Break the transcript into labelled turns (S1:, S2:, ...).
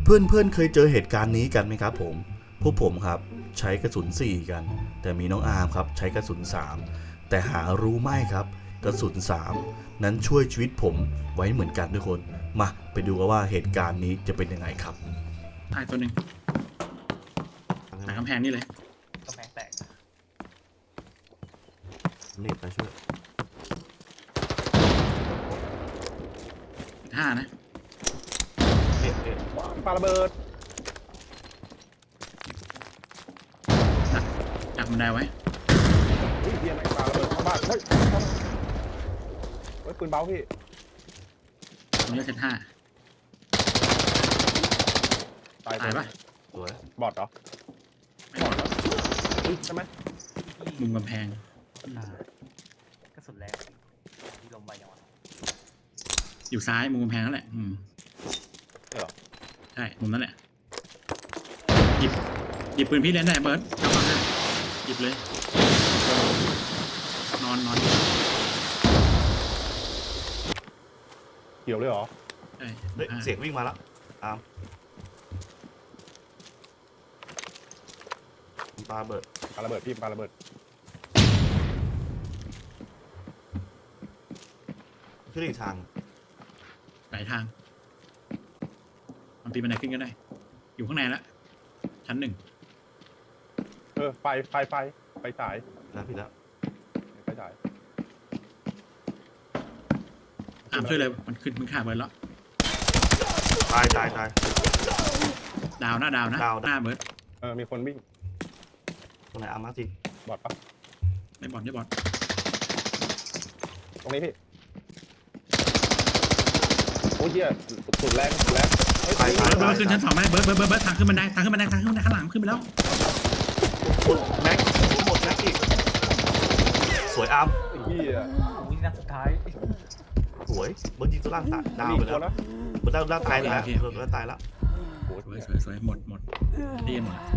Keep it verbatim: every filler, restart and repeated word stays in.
S1: เพื่อนๆเคยเจอเหตุการณ์นี้กันไหมครับผมพวกผมครับใช้กระสุนสี่กันแต่มีน้องอาร์มครับใช้กระสุนสามแต่หารู้ไหมครับกระสุนสามนั้นช่วยชีวิตผมไว้เหมือนกันทุกคนมาไปดูกันว่าเหตุการณ์นี้จะเป็นยังไงครับ
S2: ตายตัวหนึ่งหลังกำแพงนี่เลย
S3: กำแพงแตก
S1: นี่ไปช่วย
S2: ห้านะ
S1: เอ๊ะเอ๊ะ
S4: ปาระเบิด
S2: ดักดักบันไดไว้
S4: เฮ้ยเฮียไหนปาระเบิดเข้าบ้านเฮ้ยเข้ามาเฮ้ยปืนเบาพี่
S2: ผมเลือกเซตห้า
S4: ตาย
S2: ตายปะ
S1: สวย
S4: บอดเหรอ
S2: ไม่หมด
S4: ใช่ไหม
S2: มุมกำแพง
S3: กระสุนแรงที่ลมไปยังวะ
S2: อยู่ซ้ายมุมกำแพงนั่นแหละอืม
S4: ใช่เหรอ
S2: ใช่มุมนั่นแหละหยิบหยิบปืนพี่เล่นได้เบิร์ดเอามาให้หยิบเลย นอนนอน
S4: เกี่ยวเลยเหรอ
S2: ใช่
S1: เฮ้ยเสียงวิ่งมาแล้วอาร์มปาเบิด
S4: ปาระเบิดพี่ปาระเบิด
S1: ขึ้นอีกทาง
S2: หลายทางมันปีนบันไดขึ้นก็ได้ อยู่ข้างในละชั้นหนึ่ง
S4: เออไฟไฟไฟไฟฉาย
S1: แล้วพี่แล้ว
S4: ไฟฉาย
S2: อ่ามช่วยเลยมันขึ้นมึงขาเบิร์ดแล้ว
S1: ตายตายตาย
S2: ดาวหน้าดาวนะ
S1: ดาว
S2: หน้าเบิร์ด
S4: เออมีคนวิ่ง
S1: ตรงไหนอาร์มมาที
S4: บอดปะ
S2: ไม่บอลไม่บอล
S4: ตรงนี้พี่โอ้ยเฮียสุดแรงสุดแรงเฮ้ย
S1: ตายตาย
S2: เบิร์ด
S1: ตาย
S2: ขึ้นชั้นสองไหมเบิร์ดเบิร์ดเบิร์ดเบิร์ดทางขึ้นบันไดทางขึ้นบันไดทางขึ้นบันไดข้างหลังขึ้นไปแล้ว
S1: แม็กหมดแม็กอีกสวยอาร์ม
S4: ไอ้เฮีย
S3: อุ้ยนัดสุดท้าย
S1: สวยเบิร์ดยิงตัวล่างตายดาวไปแล้ว
S4: นะ
S1: เบิร์ดล่างตายแล้วเบิร์ดล่างตายแล้ว
S4: โอ้
S2: สวย
S4: ย
S2: สวยสวยหมดหมดดีหมด